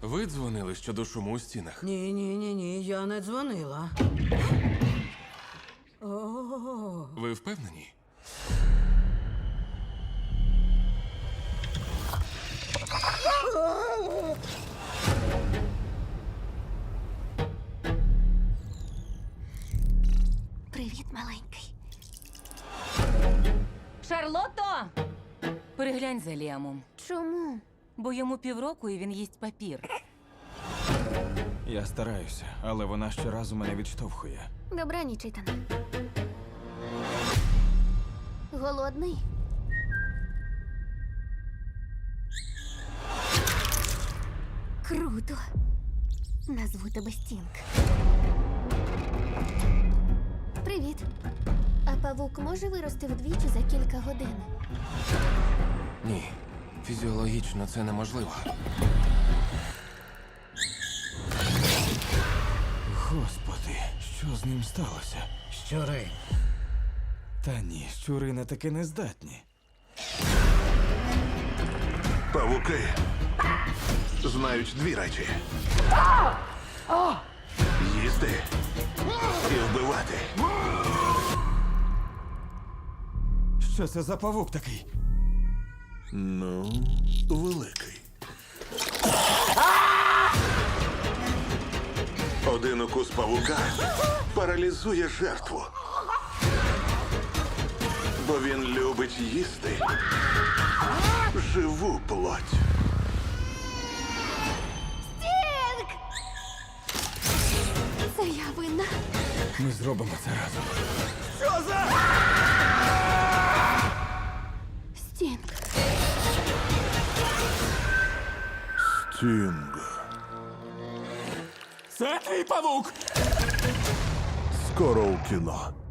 Ви дзвонили щодо шуму у стінах? Ні, я не дзвонила. О, Ви впевнені? Привіт, маленький. Шарлотто! Переглянь за Ліамом. Чому? Бо йому півроку і він їсть папір. Я стараюся, але вона щоразу мене відштовхує. Добраніч, Ітане. Голодний? Круто. Назву тебе Стінг. Привіт. А павук може вирости вдвічі за кілька годин? Ні. Фізіологічно це неможливо. Господи, що з ним сталося? щури. Та ні, щури на таке не здатні. Павуки знають дві речі: їсти і вбивати. Що це за павук такий? Ну, великий. Один укус павука паралізує жертву. Бо він любить їсти живу плоть. Стінг! Це я винна. Ми зробимо це разом. Стінг. Стінг. Це твій павук! Скоро у кіно.